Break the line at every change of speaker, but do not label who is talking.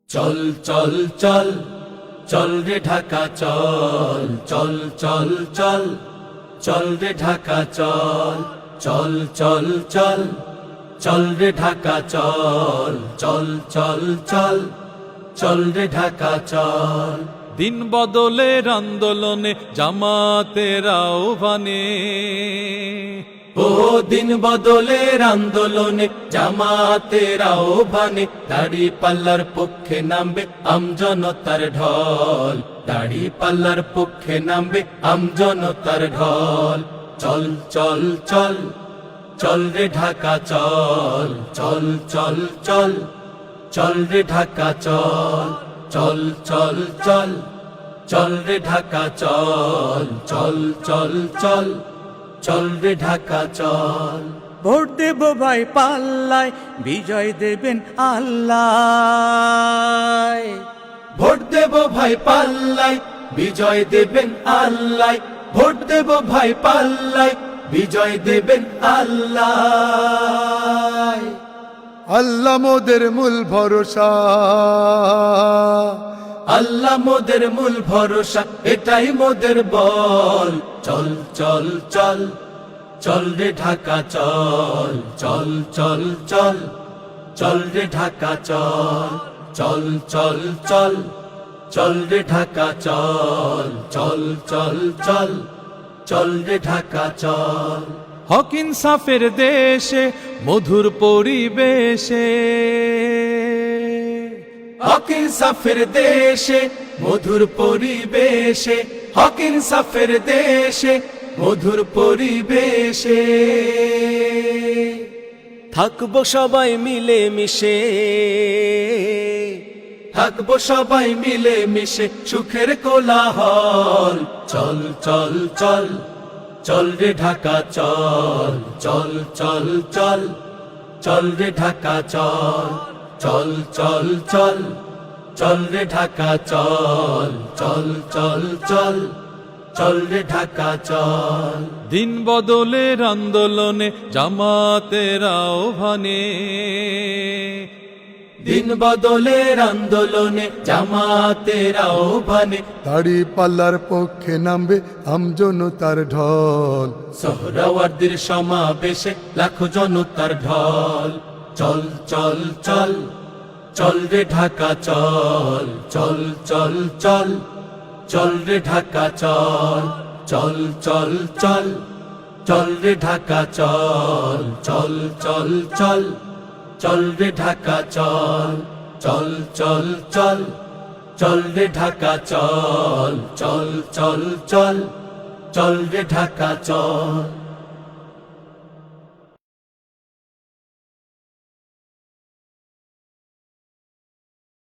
চল চল চল চল রে ঢাকা চল চল চল চল চল রে ঢাকা চল চল চল চল চল রে ঢাকা চল চল চল চল চল রে ঢাকা চল।
দিন বদলের আন্দোলনে জামাতের আহ্বানে,
ও দিন বদলের আন্দোলনে জামাতের আহ্বানে, দাড়ি পাল্লার পক্ষে নামবে আমজনতার ঢল, দাড়ি পাল্লার পক্ষে নামবে আমজনতার ঢল। চল চল চল চল রে ঢাকা চল চল চল চল চল রে ঢাকা চল চল চল চল চল রে ঢাকা চল চল চল চল চল রে ঢাকা চল।
ভোট দেব ভাই পাল্লায়, বিজয় দেবেন আল্লাহ।
ভোট দেব ভাই পাল্লায়, বিজয় দেবেন আল্লাহ। ভোট দেব ভাই পাল্লায়, বিজয় দেবেন আল্লাহ।
আল্লাহ মোদের মূল ভরসা,
আল্লাহ মোদের মূল ভরসা, এটাই মোদের বল। চল চল চল চল রে ঢাকা চল চল চল চল চল রে ঢাকা চল চল চল চল চল রে ঢাকা চল চল চল চল চল রে ঢাকা চল।
হক ইনসাফের দেশে মধুর পরিবেশে,
হক ইনসাফের দেশে মধুর পরিবেশে, হক ইনসাফের দেশে মধুর পরিবেশে,
থাকবো সবাই মিলে মিশে,
থাকবো সবাই মিলে মিশে সুখের কোলাহল। চল চল চল চল রে ঢাকা চল চল চল চল চল রে ঢাকা চল চল চল চল চল রে ঢাকা চল চল চল চল চল রে ঢাকা চল।
দিন বদলের আন্দোলনে জামাতের আহ্বানে,
দিন বদলের আন্দোলনে জামাতের আহ্বানে,
দাড়ি পাল্লার পক্ষে নামবে আমজনতার ঢল।
সোহরাওয়ার্দীর সমাবেশে লাখো জনতার ঢল। চল চল চল চল রে ঢাকা চল চল চল চল চল রে ঢাকা চল চল চল চল চল রে ঢাকা চল চল চল চল চল রে ঢাকা চল চল চল চল চল রে ঢাকা চল চল চল চল চল রে ঢাকা চল।